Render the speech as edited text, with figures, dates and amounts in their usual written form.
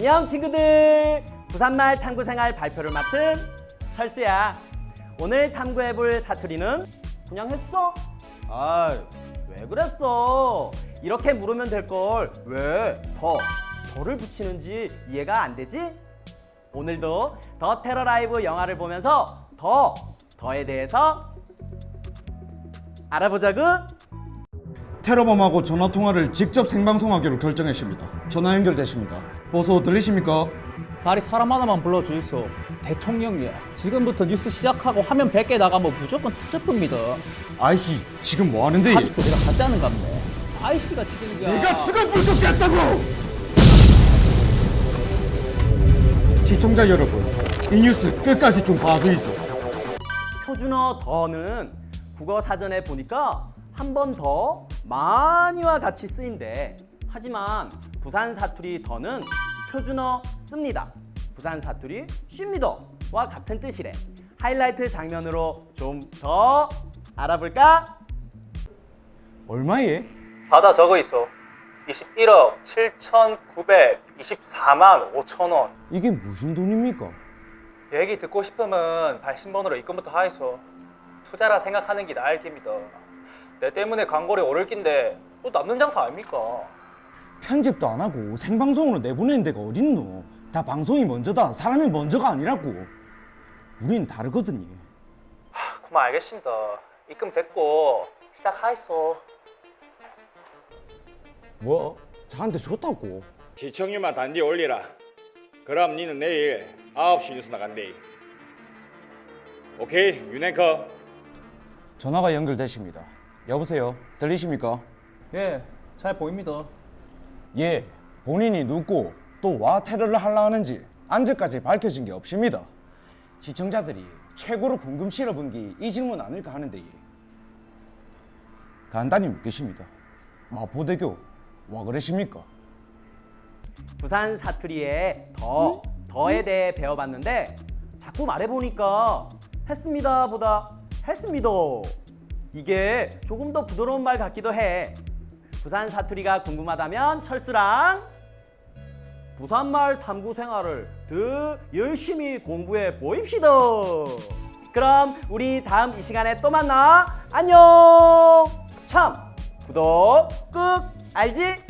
안녕 친구들. 부산말 탐구생활 발표를 맡은 철수야. 오늘 탐구해볼 사투리는 그냥 했어? 왜 그랬어? 이렇게 물으면 될걸 왜 더를 붙이는지 이해가 안 되지? 오늘도 더 테러 라이브 영화를 보면서 더에 대해서 알아보자구. 테러범하고 전화통화를 직접 생방송하기로 결정했습니다. 전화 연결되십니다. 보소 들리십니까? 말이 사람 하나만 불러주이소. 대통령이야. 지금부터 뉴스 시작하고 화면 100개 나가면 무조건 트집입니다. 아이씨 지금 뭐 하는데? 아직도 내가 가짜는 갑네. 아이씨가 지금 내가 지금 불켰겠다고! 시청자 여러분, 이 뉴스 끝까지 좀 봐주이소. 표준어 더는 국어 사전에 보니까 한 번 더 많이와 같이 쓰인대. 하지만 부산 사투리 더는 표준어 씁니다. 부산 사투리 쉽니다와 같은 뜻이래. 하이라이트 장면으로 좀 더 알아볼까? 얼마에? 받아 적어 있어. 21억 7,924만 5천 원. 이게 무슨 돈입니까? 얘기 듣고 싶으면 발신번호로 입금부터 하이소. 투자라 생각하는 게 나을 깁니다. 내 때문에 광고료 오를 낀데 또 남는 장사 아닙니까? 편집도 안 하고 생방송으로 내보내는 데가 어딨노? 다 방송이 먼저다. 사람이 먼저가 아니라고. 우린 다르거든요. 그만 알겠습니다. 입금 됐고 시작하이소. 뭐? 저한테 줬다고? 시청률만 단지 올리라. 그럼 니는 내일 9시 뉴스 나간대. 오케이, 윤앵커. 전화가 연결되십니다. 여보세요? 들리십니까? 예, 잘 보입니다. 예, 본인이 누구 또 와 테러를 하려 하는지 안전까지 밝혀진 게 없습니다. 시청자들이 최고로 궁금 실어본 게 이 질문 아닐까 하는데 간단히 묻겠습니다. 마포대교 와 그러십니까? 부산 사투리의 더에 대해 배워봤는데 자꾸 말해보니까 했습니다 보다 했습니다. 이게 조금 더 부드러운 말 같기도 해. 부산 사투리가 궁금하다면 철수랑 부산말 탐구 생활을 더 열심히 공부해 보입시다. 그럼 우리 다음 이 시간에 또 만나. 안녕. 참 구독 꾹 알지?